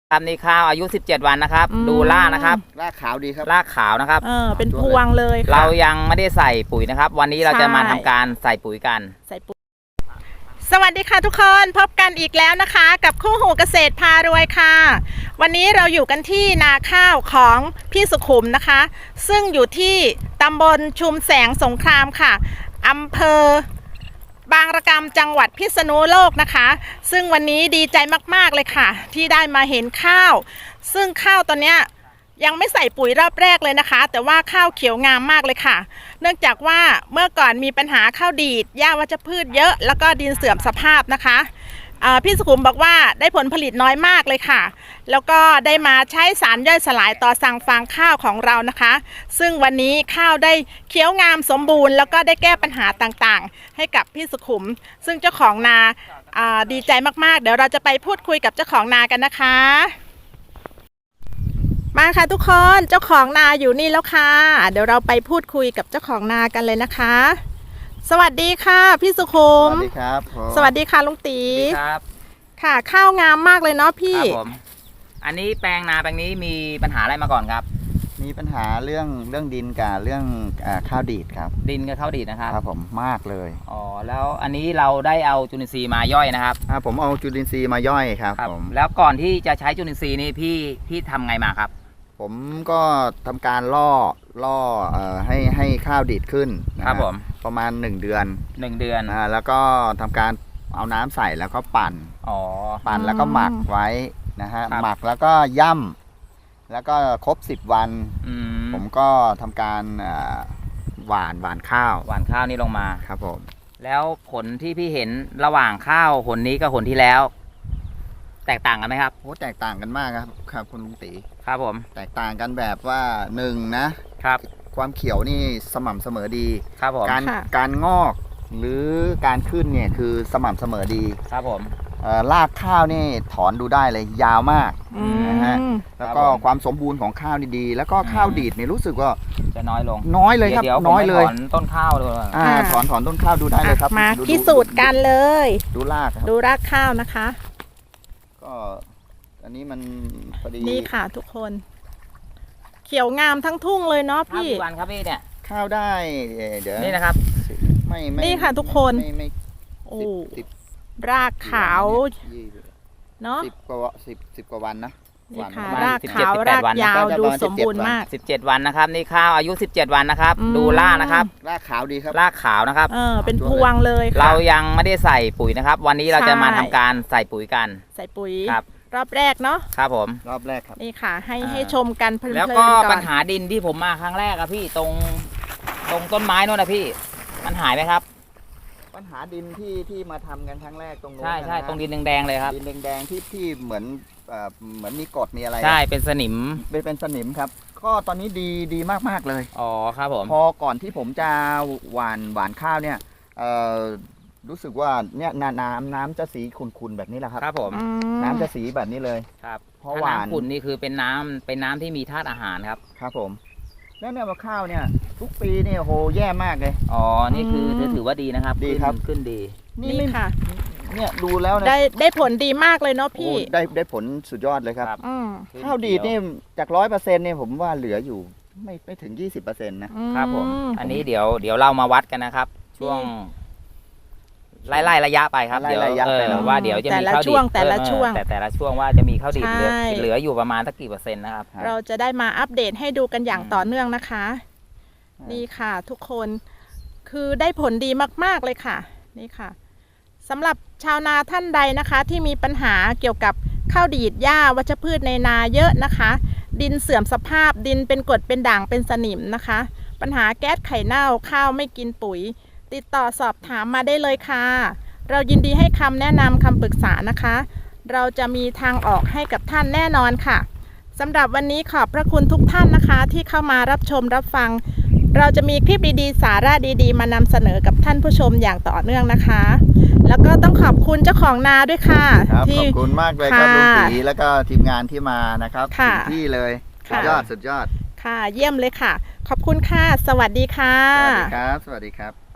ครับนี่ข้าวอายุ17วันนะครับดูรากนะครับรากขาวดีครับรากขาวนะครับเป็นพวงเลยเรายังไม่ได้ใส่ปุ๋ยนะครับ วันนี้เราจะมาทำการใส่ปุ๋ยกันสวัสดีค่ะทุกคนพบกันอีกแล้วนะคะกับคู่หูเกษตรพารวยค่ะวันนี้เราอยู่กันที่นาข้าวของพี่สุขุมนะคะซึ่งอยู่ที่ตำบลชุมแสงสงครามค่ะอำเภอบางระกำจังหวัดพิษณุโลกนะคะซึ่งวันนี้ดีใจมากๆเลยค่ะที่ได้มาเห็นข้าวซึ่งข้าวตอนเนี้ยยังไม่ใส่ปุ๋ยรอบแรกเลยนะคะแต่ว่าข้าวเขียวงามมากเลยค่ะเนื่องจากว่าเมื่อก่อนมีปัญหาข้าวดีดหญ้าวัชพืชเยอะแล้วก็ดินเสื่อมสภาพนะคะพี่สุขุมบอกว่าได้ผลผลิตน้อยมากเลยค่ะแล้วก็ได้มาใช้สารย่อยสลายต่อสั่งฟางข้าวของเรานะคะซึ่งวันนี้ข้าวได้เขียวงามสมบูรณ์แล้วก็ได้แก้ปัญหาต่างๆให้กับพี่สุขุมซึ่งเจ้าของนาดีใจมากๆเดี๋ยวเราจะไปพูดคุยกับเจ้าของนากันนะคะมาค่ะทุกคนเจ้าของนาอยู่นี่แล้วค่ะเดี๋ยวเราไปพูดคุยกับเจ้าของนากันเลยนะคะสวัสดีค่ะพี่สุขุมสวัสดีครับสวัสดีค่ะลุงตีครับค่ะข้าวงามมากเลยเนาะพี่ครับผมอันนี้แปลงนาแปลงนี้มีปัญหาอะไรมาก่อนครับมีปัญหาเรื่องดินกับเรื่องข้าวดีดครับดินกับข้าวดีดนะครับครับผมมากเลยอ๋อแล้วอันนี้เราได้เอาจุลินทรีย์มาย่อยนะครับผมเอาจุลินทรีย์มาย่อยครับผมแล้วก่อนที่จะใช้จุลินทรีย์นี่พี่ทำไงมาครับผมก็ทำการล่อให้ข้าวดีดขึ้นครับผมประมาณ1 เดือนแล้วก็ทำการเอาน้ำใส่แล้วก็ปั่นแล้วก็หมักไว้นะฮะหมักแล้วก็ย่ำแล้วก็ครบ10 วันผมก็ทำการหว่านข้าวนี่ลงมาครับผมแล้วผลที่พี่เห็นระหว่างข้าวผลนี้กับผลที่แล้วแตกต่างกันไหมครับโอ้แตกต่างกันมากครับคุณลุงตีครับผมแตกต่างกันแบบว่านะครับความเขียวนี่สม่ำเสมอดีครับผมการงอกหรือการขึ้นเนี่ยคือสม่ำเสมอดีครับผมรากข้าวนี่ถอนดูได้เลยยาวมากนะฮะแล้วก็ความสมบูรณ์ของข้าวนี่ดีแล้วก็ข้าวดีดเนี่ยรู้สึกว่าจะน้อยลงเลยครับน้อยเลยถอนต้นข้าวเลยถอนต้นข้าวดูได้เลยครับมาพิสูจน์กันเลยดูรากข้าวนะคะก็อันนี้มันพอดีนี่ค่ะทุกคนเขียวงามทั้งทุ่งเลยเนาะพี่วันครับพี่เนี่ยข้าวได้เดี๋ยวนี่นะครับไม่นี่ค่ะทุกคนไม่โอ้รากขาวเนาะ 10 กว่าวันนะนี่ค่ะรากขาวรากยาวดูสมบูรณ์มาก 17 วันนะครับนี่ข้าวอายุ17 วันนะครับดูรากนะครับรากขาวดีครับรากขาวนะครับเป็นพวงเลยเรายังไม่ได้ใส่ปุ๋ยนะครับวันนี้เราจะมาทำการใส่ปุ๋ยกันใส่ปุ๋ยครับรอบแรกเนาะครับผมรอบแรกครับนี่ค่ะให้ชมกันเพลินๆแล้วก็ปัญหาดินที่ผมมาครั้งแรกอะพี่ตรงต้นไม้นู่นนะพี่มันหายไหมครับปัญหาดินที่มาทำกันครั้งแรกตรงนู้นใช่ตรงดินแดงๆเลยครับดินแดงๆที่เหมือนมีกรดมีอะไรใช่เป็นสนิมครับก็ตอนนี้ดีมากๆเลยอ๋อครับผมพอก่อนที่ผมจะหว่านข้าวเนี่ยรู้สึกว่าเนี่ยน้ำจะสีขุ่นๆแบบนี้แหละครับครับผมน้ำจะสีแบบนี้เลยครับเพราะหวานขุ่นนี่คือเป็นน้ำที่มีธาตุอาหารครับครับผมแล้วเนี่ยมะข้าวเนี่ยทุกปีเนี่ยโหแย่มากเลยอ๋อนี่คือถือว่าดีนะครับดีครับขึ้นดีนี่ค่ะเนี่ยดูแล้วได้ผลดีมากเลยเนาะพี่ได้ผลสุดยอดเลยครับข้าวดีดนี่จาก100%เนี่ยผมว่าเหลืออยู่ไม่ถึง 20%นะครับผมอันนี้เดี๋ยวเรามาวัดกันนะครับช่วงไล่ระยะไปครับเดี๋ยวว่าเดี๋ยวจะมีข้าวดีดแต่ละช่วงว่าจะมีข้าวดีดเหลืออยู่ประมาณสักกี่เปอร์เซ็นต์นะครับเราจะได้มาอัปเดตให้ดูกันอย่างต่อเนื่องนะคะนี่ค่ะทุกคนคือได้ผลดีมากๆเลยค่ะนี่ค่ะสำหรับชาวนาท่านใดนะคะที่มีปัญหาเกี่ยวกับข้าวดีดหญ้าวัชพืชในนาเยอะนะคะดินเสื่อมสภาพดินเป็นกรดเป็นด่างเป็นสนิมนะคะปัญหาแก๊สไข่เน่าข้าวไม่กินปุ๋ยติดต่อสอบถามมาได้เลยค่ะเรายินดีให้คำแนะนำคำปรึกษานะคะเราจะมีทางออกให้กับท่านแน่นอนค่ะสำหรับวันนี้ขอบพระคุณทุกท่านนะคะที่เข้ามารับชมรับฟังเราจะมีคลิปดีๆสาระดีๆมานำเสนอกับท่านผู้ชมอย่างต่อเนื่องนะคะแล้วก็ต้องขอบคุณเจ้าของนาด้วยค่ะขอบคุณมากเลยครับลุงตีแล้วก็ทีมงานที่มานะครับถึงที่เลยสุดยอดค่ะเยี่ยมเลยค่ะขอบคุณค่ะสวัสดีค่ะสวัสดีครับ